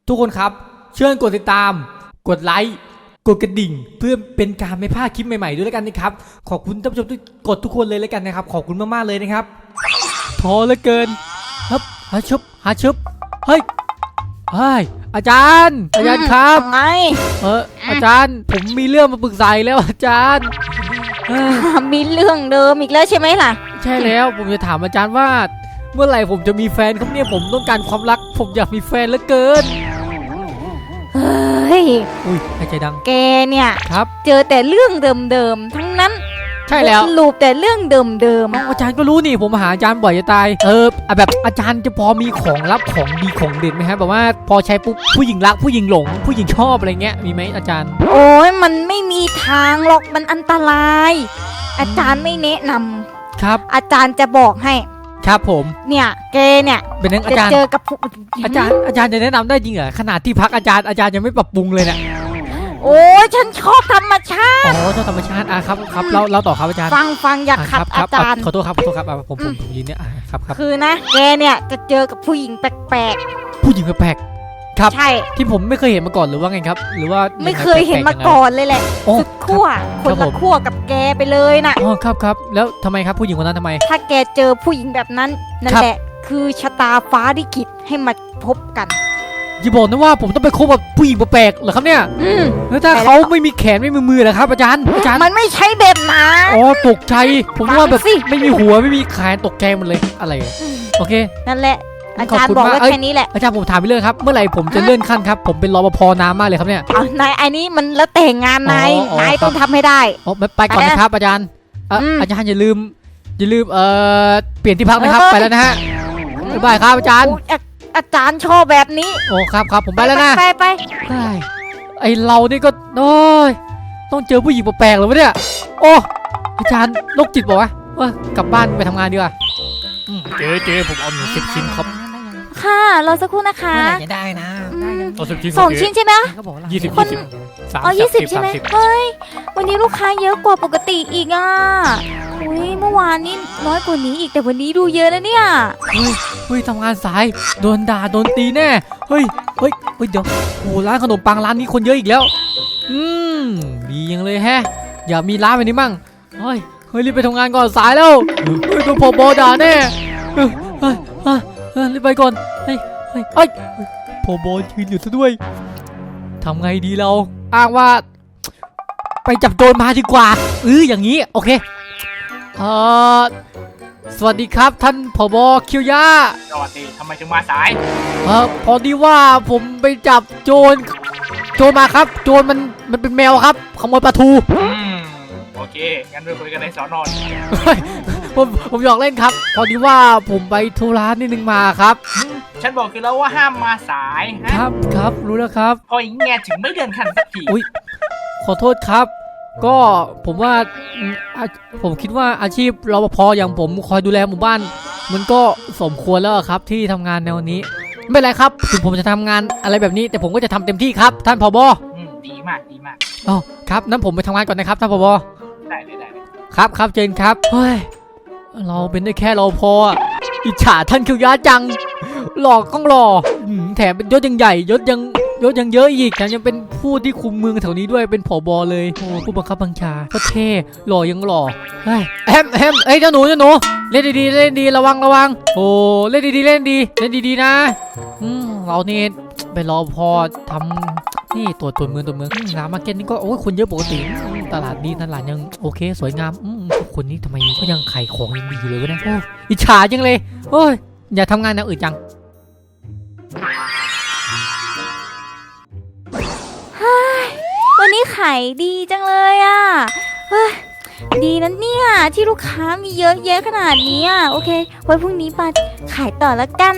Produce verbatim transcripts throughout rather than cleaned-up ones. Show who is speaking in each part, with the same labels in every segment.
Speaker 1: ทุกคนครับเชิญกดติดตามกดไลค์กดกระดิ่งเพื่อเป็นการไม่พลาดคลิปใหม่ๆด้วยแล้วกันนะครับขอบคุณท่านผู้ชมทุกกดทุกคนเลยแล้วกันนะครับขอบคุณมากๆเลยนะครับท้อเหลือเกินครับหาชุบหาชุบเฮ้ยเฮ้ยอาจารย์อาจารย์ครับ
Speaker 2: ไง
Speaker 1: เอออาจารย์ผมมีเรื่องมาปรึกษาแล้วอาจารย์
Speaker 2: มีเรื่องเดิมอีกแล้วใช่ไหมล่ะ
Speaker 1: ใช่แล้วผมจะถามอาจารย์ว่าเมื่อไหร่ผมจะมีแฟนครับเนี่ยผมต้องการความรักผมอยากมีแฟนเหลือเกิน
Speaker 2: เฮ้ย
Speaker 1: อุ้ยหายใจดัง
Speaker 2: แกเนี่ย
Speaker 1: ครับ
Speaker 2: เจอแต่เรื่องเดิมๆทั้งนั้น
Speaker 1: ใช่แล้ว
Speaker 2: ลูปแต่เรื่องเดิม
Speaker 1: ๆอาจารย์ก็รู้นี่ผมมาหาอาจารย์บ่อยจะตายเออแบบอาจารย์จะพอมีของลับของดีของเด็ดไหมฮะแบบว่าพอใช้ปุ๊บผู้หญิงรักผู้หญิงหลงผู้หญิงชอบอะไรเงี้ยมีไหมอาจารย์
Speaker 2: โอ้ยมันไม่มีทางหรอกมันอันตรายอาจารย์ไม่แนะนำ
Speaker 1: ครับ
Speaker 2: อาจารย์จะบอกให้
Speaker 1: ครับผม
Speaker 2: เนี่ยแกเนี่ย
Speaker 1: เป็นนักอาจารย์
Speaker 2: เจอกับ
Speaker 1: อาจารย์อาจารย์จะแนะนำได้จริงเหรอขนาดที่พักอาจารย์อาจารย์ยังไม่ปรับปรุงเลยเนี่ย
Speaker 2: โอ้ยฉันชอบธรรมชาติ
Speaker 1: อ๋อชอบธรรมชาติอ่ะครับครับเราเราต่อครับอาจารย์
Speaker 2: ฟังฟังอยากขัดอาจารย์
Speaker 1: ขอโทษครับขอโทษครับผมผมผมยินเนี่ยครับครับ
Speaker 2: คือนะแกเนี่ยจะเจอกับผู้หญิงแปลก
Speaker 1: ๆผู้หญิงแปลกๆครับ
Speaker 2: ใช่
Speaker 1: ที่ผมไม่เคยเห็นมาก่อนหรือว่าไงครับหรือว่า
Speaker 2: ไม่เคยเห็นมาก่อนเลยแหละสุดขั้วคนละขั้วกับแกไปเลยนะ
Speaker 1: อ๋อครับครับแล้วทำไมครับผู้หญิงคนนั้นทำไม
Speaker 2: ถ้าแกเจอผู้หญิงแบบนั้นนั่นแหละคือชะตาฟ้าลิขิตให้มาพบกัน
Speaker 1: อย่าบอกนะว่าผมต้องไปคบกับผู้หญิงแปลกๆเหรอครับเนี่ยแล้วถ้าเขาไม่มีแขนไม่มีมือเหรอครับอาจารย์อาจารย์
Speaker 2: มันไม่ใช่แบบนั้น
Speaker 1: อ๋อตกใจผมว่าแบบไม่มีหัวไม่มีแขนตกใจหมดเลยอะไรโอเค
Speaker 2: นั่นแหละอาจารย์บอกว่าแค่นี้แหละ
Speaker 1: อาจารย์ผมถามไปเลยครับเมื่อไหร่ผมจะเลื่อนขั้นครับผมเป็นรปภนานมากเลยครับเนี่ย
Speaker 2: นายอันนี้มันแล้วแต่งงานนายนายต้องทำให้ได้
Speaker 1: อ๋อไปก่อนนะครับอาจารย์อาจารย์อย่าลืมอย่าลืมเอ่อเปลี่ยนที่พักนะครับไปแล้วนะฮะบ๊ายบายครับอาจารย์
Speaker 2: อาจารย์ชอบแบบนี้
Speaker 1: โอ้ครับครับผมไปแล้วนะ
Speaker 2: ไปไป
Speaker 1: ไอเรานี่ก็โอ้ยต้องเจอผู้หญิงแปลกๆเลยวะเนี่ยโอ้อาจารย์โรคจิตบอกว่าว่ากลับบ้านไปทำงานดีกว่าเจ๊เจ๊ผมเอาหนึ่งสิบชิ้นครับ
Speaker 2: ค่ะรอสักครู่นะคะ
Speaker 3: เมื่อไหร่จะได้นะ
Speaker 2: สองชิ้นใช่ไหม
Speaker 1: ยี่สิบยี่สิบ
Speaker 2: สามอ๋อยี่สิบใช่ไหมเฮ้ยวันนี้ลูกค้าเยอะกว่าปกติอีกอ่ะอุ้ยเมื่อวานนี้น้อยกว่านี้อีกแต่วันนี้ดูเยอะนะเนี่ย
Speaker 1: เฮ้ยเฮ้ยทำงานสายโดนด่าโดนตีแน่เฮ้ยเฮ้ยเฮ้ยเดี๋ยวโอ้ร้านขนมปังร้านนี้คนเยอะอีกแล้วอืมดียังเลยแฮะอยากมีร้านแบบนี้มั่งเฮ้ยเฮ้ยรีบไปทำงานก่อนสายแล้วเฮ้ยโดนผบด่าแน่เฮ้ยเฮ้ยเฮ้ยรีบไปก่อนเฮ้ยเฮ้ยเฮ้ยผบยืนอยู่ซะด้วยทำไงดีเราอ้างว่าไปจับโจรมาดีกว่าเอออย่างนี้โอเคเอ่อสวัสดีครับท่านผบ.คิวยา
Speaker 3: สวัสดีทำไมถึงมาสาย
Speaker 1: เออพอดีว่าผมไปจับโจรโจรมาครับโจรมันมันเป็นแมวครับขโมยปลาทู
Speaker 3: อืมโอเคงั้นไปคุยกันในสอนอ
Speaker 1: ผมผมหยอกเล่นครับพอดีว่าผมไปธุระนิดนึงมาครับ
Speaker 3: ฉันบอกคือแล้วว่าห้ามมาสาย
Speaker 1: ครับครับรู้แล้วครับ
Speaker 3: พออย่างเงี้ยถึงไม่เดินขันสักที
Speaker 1: อุ้ยขอโทษครับก็ผมว่าผมคิดว่าอาชีพรปภอย่างผมคอยดูแลหมู่บ้านมันก็สมควรแล้วครับที่ทำงานแนวนี้ไม่เป็นไรครับถึงผมจะทำงานอะไรแบบนี้แต่ผมก็จะทำเต็มที่ครับท่านผบ.
Speaker 3: ดีมากดีมาก
Speaker 1: อ๋อครับนั้นผมไปทำงานก่อนนะครับท่านผบ.
Speaker 3: ได้เลยได้เลย
Speaker 1: ครับครับเจนครับเฮ้ยเราเป็นได้แค่รปภอิจฉาท่านคิวยาจังหลอกต้องหล่อแถมเป็นยศยังใหญ่ยศยังยศยังเยอะอีกแถมยังเป็นผู้ที่คุมเมืองแถวนี้ด้วยเป็นผบ.เลยโอ้ผู้บังคับบัญชาก็เท่หล่อยังหล่อเฮ้ยแฮมแฮมเอ้ยเจ้าหนูเจ้าหนูเล่นดีๆเล่นดีระวังระวังโอ้เล่นดีๆเล่นดีเล่นดีๆนะอืมเราเนี่ยไปรอพอทำนี่ตัวตัวเมืองตัวเมืองร้านมาร์เก็ตนี่ก็โอ้ยคนเยอะปกติตลาดดีตลาดยังโอเคสวยงามคนนี้ทำไมก็ยังขายของยังดีอยู่เลยวะเนี่ยโอ้อิจฉาจังเลยโอ้ยอย่าทำงานแนวอื่นจัง
Speaker 2: วันนี้ขายดีจังเลยอ่ะเฮ้ยดีนะเนี่ยที่ลูกค้ามีเยอะแยะขนาดนี้อ่ะโอเคไว้พรุ่งนี้มาขายต่อแล้วกัน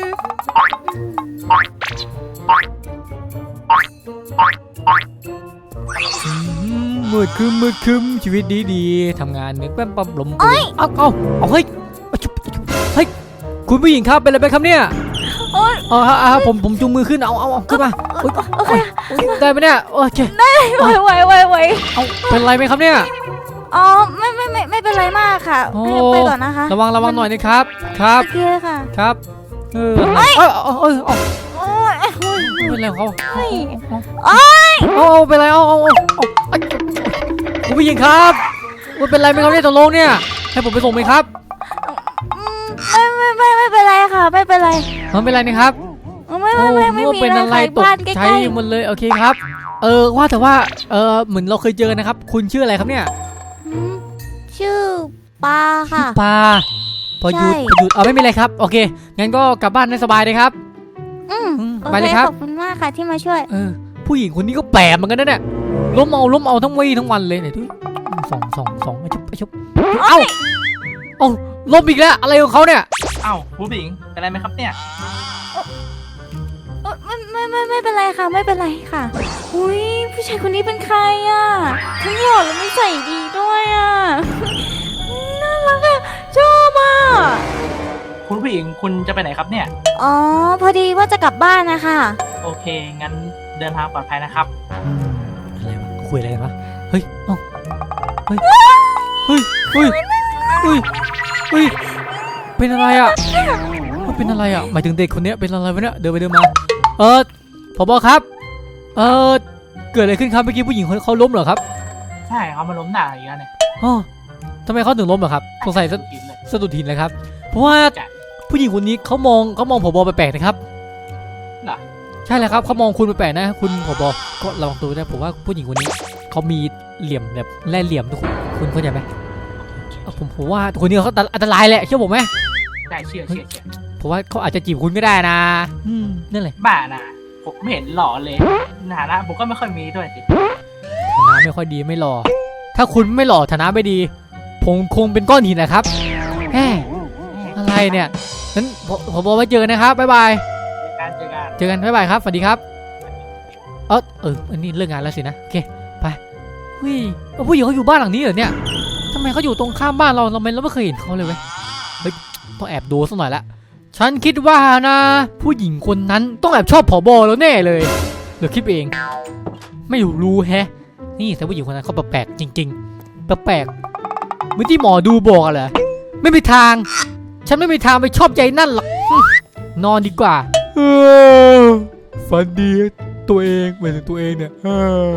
Speaker 1: มืดคึมมืดคึมชีวิตดีๆทำงานนึกแป๊บปั๊บลมเอ้ยเอาเอาเอาเฮ้ยเฮ้ยคุณผู้หญิงครับเป็นอะไรไปครับเนี่ย
Speaker 2: โอ้ย
Speaker 1: เออฮะผมผมจูงมือขึ้นเอาเอาเอาขึ้นมาโอเคได้ไหมเนี่ยโอเค
Speaker 2: ได้ไหวไหวไหวไหว
Speaker 1: เอาเป็นไรไหมครับเนี่ย
Speaker 2: อ๋อไม่ไม่ไม่ไม่เป็นไรมากค่ะไปก่อนนะคะ
Speaker 1: ระวังระวังหน่อยนะครับครับ
Speaker 2: โอเคค่ะ
Speaker 1: ครับเออเอ้ยเอ้ยเอ้ยไม่เป็นไรของเขา
Speaker 2: เฮ้ย
Speaker 1: เอาเอาเอาเป็นไรเอาเอาเอาเอาไอ้คุณผู้หญิงครับมันเป็นไรไหมครับเนี่ยตกลงเนี่ยให้ผมไปส่งไหมครับ
Speaker 2: อืมไม่ไม่ไม่ไม่เป็นไรค่ะ ไม่เป็นไร
Speaker 1: มันเป็นไรนะครับ
Speaker 2: ไม่ไม่ไม่ไม่
Speaker 1: โอ้
Speaker 2: มี
Speaker 1: เป็น
Speaker 2: อะไร
Speaker 1: อะไร
Speaker 2: ค่ะ
Speaker 1: ตก
Speaker 2: บ้านใก
Speaker 1: ใจ
Speaker 2: ล้
Speaker 1: หมดเลยโอเคครับ เออว่าแต่ว่าเออเหมือนเราเคยเจอนะครับ คุณชื่ออะไรครับเนี่ย
Speaker 2: ๆอืมชื่อปลาค่ะ
Speaker 1: ปลาพอหยุด
Speaker 2: ใช่
Speaker 1: พอหยุดเอาไม่มีอะไรครับโอเคงั้นก็กลับบ้านได้สบายเลยครับ
Speaker 2: อืม
Speaker 1: อืม
Speaker 2: โอ
Speaker 1: ไป
Speaker 2: เค
Speaker 1: เลยครับ
Speaker 2: ขอบคุณมากค่ะที่มาช่วย
Speaker 1: เออผู้หญิงคนนี้ก็แปลกเหมือนกันนะเนี่ยล้มเอาล้มเอาทั้งวี่ทั้งวันเลยเนี่ยทุยสองสองสองไอ้ชุบไอ้ชุบเอ้าเอ้าล้มอีกแล้วอะไรของเขาเนี่ย
Speaker 3: เอ้าผู้หญิงเป็นไรไหมครับเนี่ย
Speaker 2: เอ่อไม่ไม่ไม่ไม่เป็นไรค่ะ ไม่เป็นไรค่ะอุ้ยผู้ชายคนนี้เป็นใครอ่ะทั้งหล่อและไม่ใส่ดีด้วยอ่ะอุ๊ยน่ารักอ่ะชอบอ่ะ
Speaker 3: คุณผู้หญิงคุณจะไปไหนครับเนี่ย
Speaker 2: อ๋อพอดีว่าจะกลับบ้านนะคะ
Speaker 3: โอเค งั้นเดินทางปลอดภัยนะครับ
Speaker 1: อืมอะไรวะคุยอะไรกันวะเฮ้ยเอ้าเฮ้ยเฮ้ยเฮ้ยเฮ้ยเฮ้ยเป็นอะไรอ่ะมันเป็นอะไรอ่ะหมายถึงเด็กคนเนี้ยเป็นอะไรวะเนี่ยเดินไปเดินมาเออผบครับเออเกิดอะไรขึ้นครับเมื่อกี้ผู้หญิงเขาล้มเหรอครับ
Speaker 3: ใช่เขามาล้มหน้าอีกแล้วเนี่ย
Speaker 1: อ๋อทำไมเขาถึงล้มเหรอครับสงสัยสะ
Speaker 3: กินเลย
Speaker 1: สะดุดหินเลยครับเพราะว่า
Speaker 3: จ้ะ
Speaker 1: ผู้หญิงคนนี้เขามองเขามองผบแปลกๆนะครับ
Speaker 3: เหรอ
Speaker 1: ใช่แล้วครับเขามองคุณแปลกๆนะ คุณผบก็ระวังตัวด้วยผมว่าผู้หญิงคนนี้เขามีเหลี่ยมแบบแล่เหลี่ยมทุกคนคุณเข้าใจไหมเออผมผมว่าคนนี้เขาอันตรายแหละเชื่อผมไหม
Speaker 3: ได้เชื่อเชื่อเชื่อ
Speaker 1: ผมว่าเขาอาจจะจีบคุณก็ได้นะอืมนั่นแหละ
Speaker 3: บ้านะผมไม่เห็นหล่อเลยฐานะผมก็ไม่ค่อยมีด้วยสิ
Speaker 1: ฐานะไม่ค่อยดีไม่หล่อถ้าคุณไม่หล่อฐานะไม่ดี ผมคงเป็นก้อนหินนะครับแหมอะไรเนี่ยนั้นผมผมบอกไว้เจอกันนะครับบ๊ายบาย
Speaker 3: เจอกันเจอกัน
Speaker 1: เจอกันบ๊ายบายครับสวัสดีครับเออเอออันนี้เลิกงานแล้วสินะโอเคไปเฮ้ยเอาผู้หญิงเขาอยู่บ้านหลังนี้เหรอเนี่ยทำไมเขาอยู่ตรงข้ามบ้านเราเราไม่เราไม่เคยเห็นเขาเลยเว้ยเฮ้ยต้องแอบดูสักหน่อยละฉันคิดว่านะผู้หญิงคนนั้นต้องแอบชอบผบแล้วแน่เลยเดี๋ยวคิดเองไม่รู้แฮะนี่แต่ผู้หญิงคนนั้นเขาแปลกๆจริงๆแปลกๆเหมือนที่หมอดูบอกอะเหรอไม่มีทาง ฉันไม่มีทางไปชอบใจนั่นหรอกนอนดีกว่าเออฝันดีตัวเองหมายถึงตัวเองเนี่ยเออ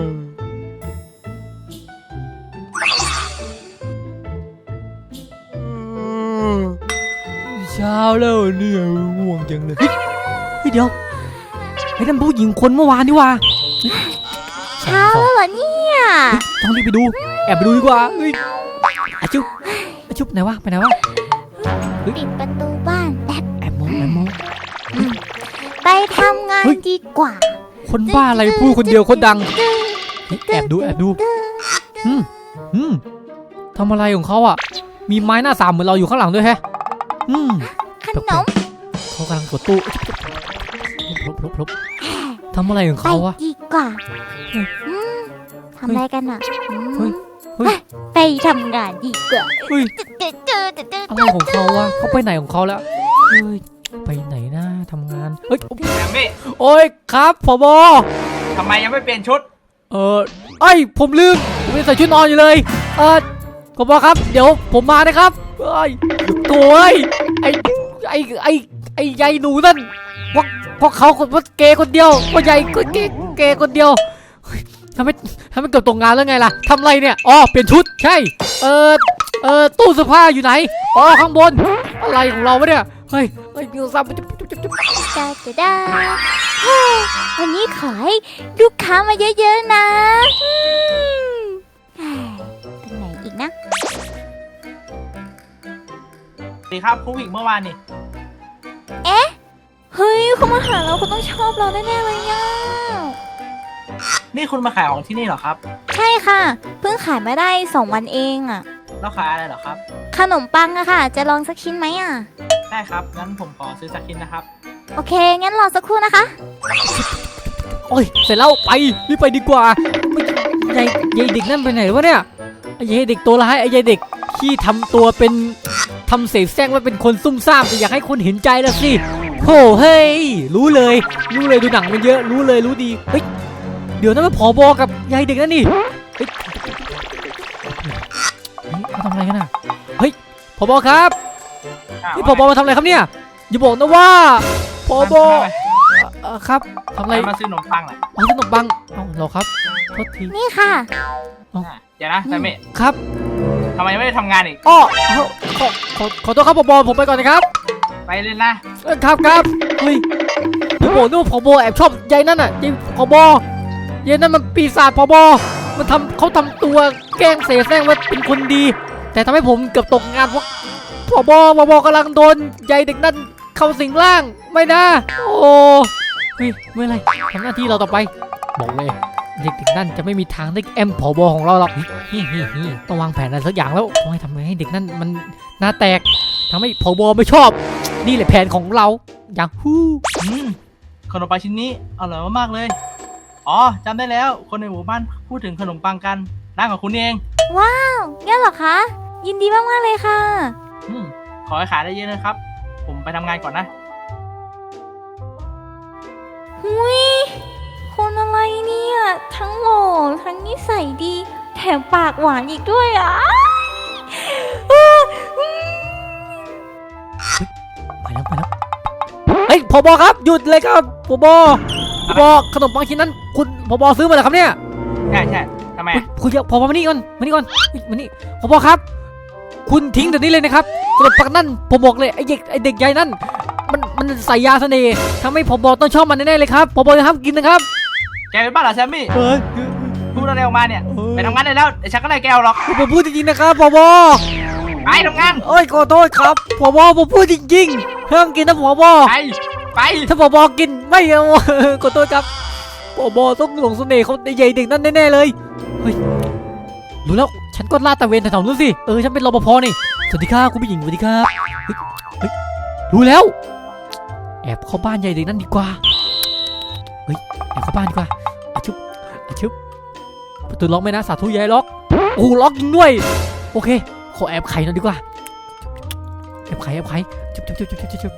Speaker 1: เช้าแล้วเนี่ยง่วงจังเลยเฮ้ยเฮ้ยเดี๋ยวไอ้นั่นผู้หญิงคนเมื่อวานนี่ว่า
Speaker 2: เช้าแล้วเหรอเนี่ย
Speaker 1: ต้องรีบไปดูแอบไปดูดีกว่าเฮ้ยอาชุบอาชุบไหนวะไปไหนวะ
Speaker 2: ปิดประตูบ้านแป๊บ
Speaker 1: แอบมองแอบมอง
Speaker 2: ไปทำงาน
Speaker 1: เฮ้ย
Speaker 2: ดีกว่า
Speaker 1: คนบ้าอะไรพูดคนเดียวคนดังเฮ้ยแอบดูแอบดูอืมอืมทำอะไรของเขาอ่ะ มีไม้หน้าสามเหมือนเราอยู่ข้างหลังด้วยแฮะ อืม
Speaker 2: ขนม
Speaker 1: เขากำลังกดตู้พลบพลบพลบทำอะไรของ
Speaker 2: ไป
Speaker 1: เขาวะ
Speaker 2: ดีกว่า
Speaker 1: เฮ้ย
Speaker 2: อืมทำอะไรกันอ่ะอืม
Speaker 1: เฮ้ยเฮ้ย
Speaker 2: ไปทำงานดีกว่า
Speaker 1: เฮ้ย
Speaker 2: เจอเจอเจอเจอ
Speaker 1: อะไรของเขาวะเขาไปไหนของเขาแล้วเฮ้ยไปไหนนะทำงานเฮ้ย
Speaker 3: แอมมี่
Speaker 1: โอ้ยครับผบ
Speaker 3: ทำไมยังไม่เปลี่ยนชุด
Speaker 1: เออไอยผมลืมผมยังใส่ชุดนอนอยู่เลยเออผบครับเดี๋ยวผมมานะครับเอ้ยโถ่เอ้ยไอไอไอไอใหญ่หนูนั่นพวกพวกเขาคนพวกเกย์คนเดียวพวกใหญ่ก็เกย์เกย์คนเดียวเฮ้ยทำไมทำไมเกือบตกงานแล้วไงล่ะทำไรเนี่ยอ๋อเปลี่ยนชุดใช่เออเออตู้เสื้อผ้าอยู่ไหนอ๋อข้างบนอะไรของเราวะเนี่ยเฮ้ยเฮ้ยมีโทรศัพท์จุ๊บจุ๊บจุ๊บจุ๊บ
Speaker 2: จ้าจ้าจ้าเฮ้ยวันนี้ขอให้ลูกค้ามาเยอะๆนะอืมเฮ้ยตรงไหนอีกนะ
Speaker 3: สวัสดีครับผู้หญิงเมื่อวานนี่
Speaker 2: เฮ้ยเขามาหาเราเขาต้องชอบเราแน่ๆเลยอ่ะ
Speaker 3: นี่คุณมาขายของที่นี่เหรอครับ
Speaker 2: ใช่ค่ะ เพิ่งขายมาได้สองวันเองอ่ะ
Speaker 3: แล้วขายอะไรเหรอครับ
Speaker 2: ขนมปังอะค่ะ จะลองสักชิ้นไหมอ่ะ
Speaker 3: ได้ครับ งั้นผมขอซื้อสักชิ้นนะครับ
Speaker 2: โอเค งั้นรอสักครู่นะคะ
Speaker 1: โอ้ยเสร็จแล้วไปรีบไปดีกว่าไม่ยายยายเด็กนั่นไปไหนวะเนี่ยไอ้ยายเด็กตัวร้ายไอ้ยายเด็กที่ทำตัวเป็นทำเสแสร้งว่าเป็นคนซุ่มซ่ามแต่อยากให้คนเห็นใจละสิโอ้เฮ้ยรู้เลยรู้เลยดูหนังมันเยอะรู้เลยรู้ดีเฮ้ยเดี๋ยวนั้นมันผบกับยายเด็กนั่นนี่เฮ้ยเฮ้ยมาทำอะไรกันน่ะเฮ้ยผบครับ นี่ผบมาทำอะไรครับเนี่ยอย่าบอกนะว่าผบ
Speaker 3: ทำไม
Speaker 1: เเออครับทำอะไร
Speaker 3: มาซื้อขนมปังแหละ
Speaker 1: เอาขนมปังเอาเหรอครับโทษที
Speaker 2: นี่ค่ะ
Speaker 3: เดี๋ยวนะแซมมี่
Speaker 1: ครับ
Speaker 3: ทำไมไม่ได้ทำงานอีก
Speaker 1: อ้อเอาขอขอขอโทษครับผบผมไปก่อนนะครับ
Speaker 3: ไปเลยนะ
Speaker 1: เออครับครับเฮ้ยพี่โบนึกว่าผบแอบชอบยายนั่นน่ะยายผบยายนั่นมันปีศาจผบมันทำเขาทำตัวแกล้งเสแสร้งว่าเป็นคนดี แต่ทำให้ผมเกือบตกงานเพราะผบผบกำลังโดนยายเด็กนั่นเข้าสิงร่างไม่นะโอ้เฮ้ยไม่เป็นไรทำหน้าที่เราต่อไปบอกเลยเด็กๆนั่นจะไม่มีทางได้แอมผบของเราหรอกฮิฮิฮิต้องวางแผนอะไรสักอย่างแล้วต้องให้ทำไงให้เด็กนั่นมันหน้าแตกทำให้ผบไม่ชอบนี่แหละแผนของเราอย่างฮู้
Speaker 3: อืมขนมปังชิ้นนี้อร่อยมากๆเลย อ๋อจำได้แล้วคนในหมู่บ้านพูดถึงขนมปังกันร้านของคุณเอง
Speaker 2: ว้าวงั้นเหรอคะ ยินดีมากๆเลยค่ะ
Speaker 3: อืมขอให้ขายได้เยอะนะครับ ผมไปทำงานก่อนนะ
Speaker 2: หุยคนอะไรเนี่ย ทั้งหล่อทั้งนิสัยดี แถมปากหวานอีกด้วยอ่ะ
Speaker 1: ไปแล้วไปแล้วเฮ้ยผบครับหยุดเลยครับผบผบขนมปังชิ้นนั้นคุณผบซื้อมาเหรอครับเนี่ย
Speaker 3: ใช่ใช่ทำไม
Speaker 1: คุณคุณอย่าผบมานี่ก่อนมานี่ก่อนเฮ้ยมานี่ผบครับ คุณทิ้งเดี๋ยวนี้เลยนะครับขนมปังนั่นผมบอกเลยไอ้เด็กไอ้เด็กใหญ่นั่นมันมันใส่ยาเสน่ห์ทำให้ผบต้องชอบมันแน่ๆเลยครับผบจะห้ามกินนะครับ
Speaker 3: แกเป็นบ้าเหรอแซมมี่
Speaker 1: เฮ้ย
Speaker 3: พูดอะไรออกมาเนี่ย ไปทำงานได้แล้วเดี๋ยวฉันก็ไล่แกออกหรอก
Speaker 1: ผมพูดจริงๆนะครับผบ
Speaker 3: ไปทำงาน
Speaker 1: เอ้ยขอโทษครับผบผมพูดจริงๆห้ามกินนะผบ
Speaker 3: ไป ไป
Speaker 1: ถ้าผบกินไม่เอา ขอโทษครับผบต้องหลงเสน่ห์เขาใหญ่เด็กนั่นแน่ๆเลยเฮ้ยรู้แล้วฉันก็ลาดตระเวนแถวๆนู้นสิเออฉันเป็นรปภนี่สวัสดีครับคุณผู้หญิงสวัสดีครับเฮ้ยเฮ้ยรู้แล้วแอบเข้าบ้านใหญ่เด็กนั่นดีกว่าเฮ้ยแอบเข้าบ้านดีกว่าอาชุบอาชุบประตูล็อกไหมนะสาธุยายล็อกโอ้ล็อกจริงด้วยโอเคขอแอบไขหน่อยดีกว่าแอบไขแอบไขชุบชุบชุบชุบชุบชุบ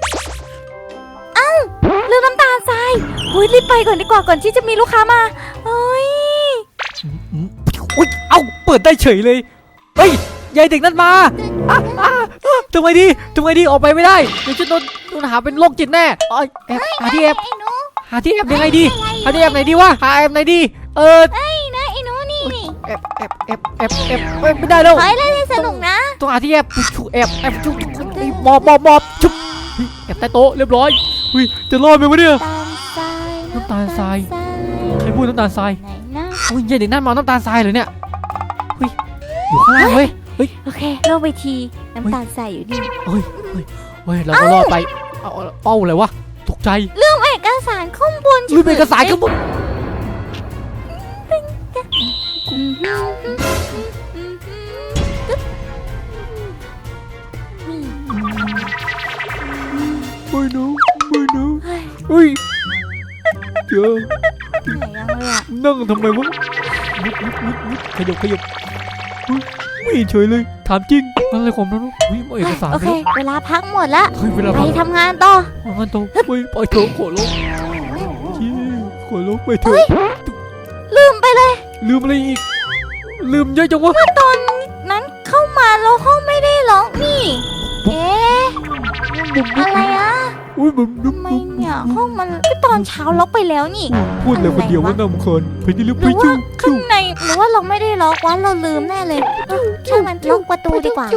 Speaker 2: ลืมน้ำตาลทรายหุยรีบไปก่อนดีกว่าก่อนที่จะมีลูกค้ามาเฮ้ย
Speaker 1: อืมอืมอุ๊ยเอ้าเปิดได้เฉยเลยเฮ้ยยายเด็กนั่นมาอ่ะอ่ะอ่ะทำไมดีทำไมดีออกไปไม่ได้เดี๋ยวจะโดนโดนหาเป็นโรคจิตแน่เอ้ยแอบหาที่แอบ
Speaker 2: ไอ้หนู
Speaker 1: หาที่แอบยังไงดีหาที่แอบไหนดีวะหาแอบไหนดีเออ
Speaker 2: ไอ้นะไอ้หนูนี่นี่
Speaker 1: แอบแอบแอบแอบแอบเอ้ยไม่ได้แล้ว
Speaker 2: ขอให้เล่นให้สนุกนะ
Speaker 1: ต้องหาที่แอบชุบแอบแอบชุบชุบหมอบหมอบหมอบชุบเฮ้ยแอบใต้โต๊ะเรียบร้อยเฮ้ยจะรอดไหมวะเนี่ย
Speaker 2: น้ำตาลทราย
Speaker 1: น้ำตาลทราย ใครพูดน้ำตาลทราย
Speaker 2: ไหนนะ
Speaker 1: โอ้ยยายเด็กนั่นมาเอาน้ำตาลทรายเลยเนี่ยเฮ้ยอยู่ข้างล่างเฮ้ย
Speaker 2: โอเคเล่าไปทีน้ำตาลทรายอยู่นี่
Speaker 1: เฮ้ยเฮ้ยเฮ้ยเราก็รอดไปเอาเอาเป้าอะไรวะตกใจ
Speaker 2: เรื่องเอกสารข้างบน
Speaker 1: ลืมเอกสารข้างบน
Speaker 2: อืมฮึ่มฮึ่มฮึ่มฮึ่มฮึ่มนี่
Speaker 1: ไม่รู้ไม่รู้
Speaker 2: เฮ้ย
Speaker 1: เฮ้ยเจอ
Speaker 2: เหนื่อยยังเลยอ่ะ
Speaker 1: นั่งทำไมวะนิดนิดนิดนิดขยับขยับเฮ้ยไม่เห็นเฉยเลยถามจริงนั่นอะไรของนั่นวะเฮ้ยเอาเอกสาร
Speaker 2: โอ
Speaker 1: ไป
Speaker 2: เค เวลาพักหมดละ
Speaker 1: เฮ้ยเวลา
Speaker 2: ไป
Speaker 1: พัก
Speaker 2: ทำงานต่อ
Speaker 1: เอางั้นโตเฮ้ยปล่อยเถอะขอร้องชี้ขอร้องไปเถอะ
Speaker 2: ลืมไปเลย
Speaker 1: ลืมอะไรอีกลืมเยอะจังวะ
Speaker 2: ตอนนั้นเข้ามาแล้วห้องไม่ได้ล็อกนี่ เอ๊ะ อะไรอ่ะ
Speaker 1: อุ้ยผม
Speaker 2: ทำไมเนี่ยห้องมันก็ตอนเช้าล็อกไปแล้วนี่
Speaker 1: พูดเลยคนเดียวว่านำคนไปที่ลึก
Speaker 2: ห
Speaker 1: ไป
Speaker 2: รือว่า
Speaker 1: จู้
Speaker 2: ข้างในหรือว่าเราไม่ได้ล็อกวะเราลืมแน่เลยเออช่างมันล็อกประตูดีกว่า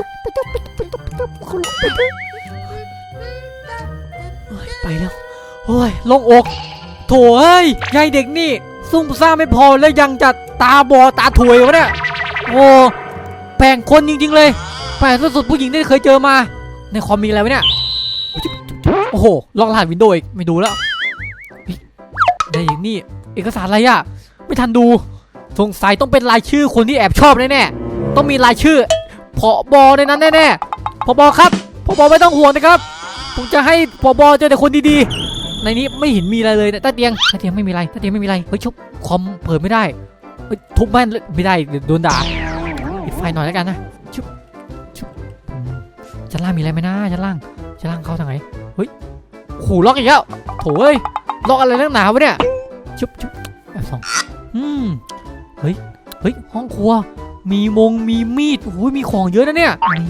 Speaker 1: ไปแล้วโอ้ยโลงอกโถเอ้ยยายเด็กนี่ซุ่มซ่ามไม่พอแล้วยังจะตาบอดตาถวยวะเนี่ยโอ้แปลงคนจริงๆเลยแปลงสุดๆผู้หญิงที่เคยเจอมาในคอมมีอะไรวะเนี่ยโอ้โหลองรหัสวินโดว์อีกไม่ดูแล้วเฮ้ยในอย่างนี้เอกสารอะไรอะไม่ทันดูสงสัยต้องเป็นรายชื่อคนที่แอบชอบแน่ๆต้องมีรายชื่อผบในนั้นแน่ๆผบครับผบไม่ต้องห่วงนะครับผมจะให้ผบเจอแต่คนดีๆในนี้ไม่เห็นมีอะไรเลยนะใต้เตียงใต้เตียงไม่มีอะไรใต้เตียงไม่มีอะไรเฮ้ยชุบคอมเปิดไม่ได้เฮ้ยทุบแม่นไม่ได้เดี๋ยวโดนด่าปิดไฟหน่อยแล้วกันนะชุบชุบอืมชั้นล่างมีอะไรไหมนะชั้นล่างชั้นล่างเข้าทางไหนเฮ้ยโอ้โหล็อกอีกแล้วโถ่เอ้ยล็อกอะไรนักหนาวะเนี่ยชุบชุบแบบสองอืมเฮ้ยเฮ้ยห้องครัวมีมงมีมีดโอ้โหมีของเยอะนะเนี่ยมีหม้อ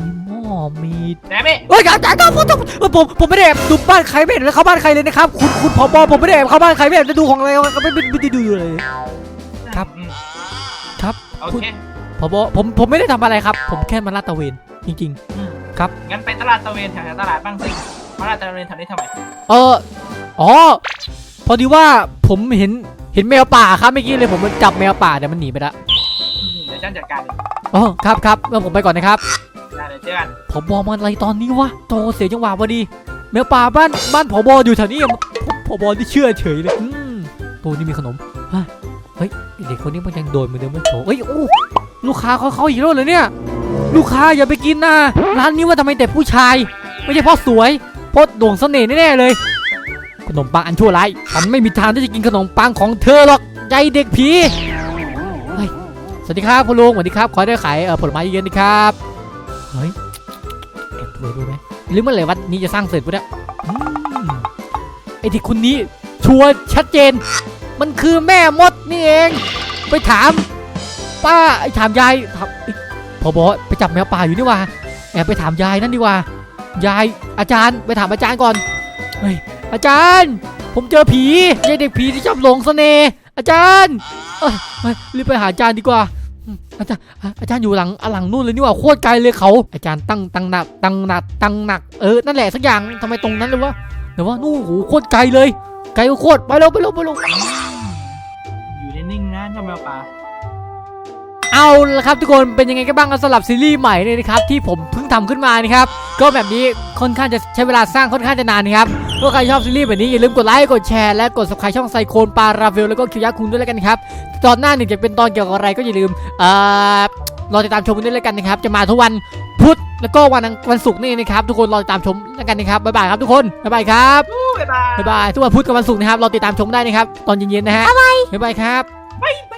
Speaker 1: มี
Speaker 3: แดมี่
Speaker 1: เฮ้ยอาจารย์ครับผมผมผมไม่ได้แอบดูบ้านใครไม่เห็นเข้าบ้านใครเลยนะครับคุณคุณผบผมไม่ได้แอบเข้าบ้านใครไม่แอบจะดูของอะไรก็ไม่ไม่ได้ดูเลย ครับ
Speaker 3: อืม
Speaker 1: ครับ
Speaker 3: โอเค
Speaker 1: ผบผมผมไม่ได้ทำอะไรครับ ผมแค่มาลาดตระเวนจริง
Speaker 3: อืม
Speaker 1: ครับ
Speaker 3: งั้นไปตลาดตะเวนแถวๆตลาดบ้างสิมาตลาดตะเวนแถวนี้ทำไม
Speaker 1: ๆ เอออ๋อพอดีว่าผมเห็นเห็นแมวป่าครับเมื่อกี้เลยผมมันจับแมวป่าแต่มันหนีไปแล้ว
Speaker 3: อืมเดี๋ยวฉันจัดการเอง
Speaker 1: อ๋อครับครับเมื่อผมไปก่อนนะครับ
Speaker 3: ได้เลยเจอกัน
Speaker 1: ผมบอกมันอะไรตอนนี้วะโตเสียจังหวะพอดีแมวป่าบ้านบ้านผบอยู่แถวนี้ผบที่เชื่อเฉยเลยอืมตัวนี้มีขนมฮะเฮ้ยเด็กคนนี้มันยังโดนเหมือนเดิมไหมโถเฮ้ยโอ้ลูกค้าเขาเขาอีกแล้วเหรอเนี่ยลูกค้าอย่าไปกินนะร้านนี้ว่าทำไมแต่ผู้ชายไม่ใช่เพราะสวยเพราะโด่งเสน่ห์แน่ๆเลยขนมปังอันชั่วร้ายฉันไม่มีทางที่จะกินขนมปังของเธอหรอกใจเด็กผีเฮ้ยสวัสดีครับคุณลุงสวัสดีครับขอได้ขายเอ่อผลไม้เยอะๆนะครับเฮ้ยแอบดูดูไหมหรือเมื่อไหร่วันนี้จะสร้างเสร็จปะเนี่ยอืมไอ้ที่คุณนี้ชัวร์ชัดเจน มันคือแม่มดนี่เอง ไปถาม ป้าไอ้ถามยายถามพอบอกไปจับแมวป่าอยู่นี่ว่าแอบไปถามยายนั่นดีกว่ายายอาจารย์ไปถามอาจารย์ก่อนเฮ้ยอาจารย์ ผมเจอผียายเด็กผีที่ชอบหลงเสน่ห์อาจารย์เอ้ยเฮ้ยรีบไปหาอาจารย์ดีกว่าอืมอาจารย์อาจารย์อยู่หลังหลังนู่นเลยนี่ว่าโคตรไกลเลยเขาอาจารย์ตั้งตั้งหนักตั้งหนักตั้งหนักเออนั่นแหละสักอย่างทำไมตรงนั้นเลยวะเดี๋ยวว่านู่นโหโคตรไกลเลยไกลโคตรไปเร็วไปเร็วไปเร็ว
Speaker 3: อยู่นิ่งๆนะเจ้าแมวป่า
Speaker 1: เอาละครับทุกคนเป็นยังไงกันบ้างสำหรับซีรีส์ใหม่เลยนะครับที่ผมเพิ่งทำขึ้นมานะครับก็แบบนี้ค่อนข้างจะใช้เวลาสร้างค่อนข้างจะนานนะครับถ้าใครชอบซีรีส์แบบนี้อย่าลืมกดไลค์กดแชร์และกด ซับสไครบ์ ช่องไซโคนปาราเวลแล้วก็คิวยะคุงด้วยแล้วกันครับตอนหน้าหนึ่งจะเป็นตอนเกี่ยวกับอะไรก็อย่าลืมเอ่อรอติดตามชมกันด้วยแล้วกันนะครับจะมาทุกวันพุธแล้วก็วันอังวันศุกร์นี่นะครับทุกคนรอติดตามชมแล้วกันนะครับบ๊ายบายครับทุกคนบ๊ายบายครับ
Speaker 3: บ๊ายบาย
Speaker 1: บ๊ายบายทุกวันพุธกับวันศุกร์นะครับรอติดตามชมได้นะครับตอนเย็นๆนะฮะบ๊ายบายครับ
Speaker 3: บ๊าย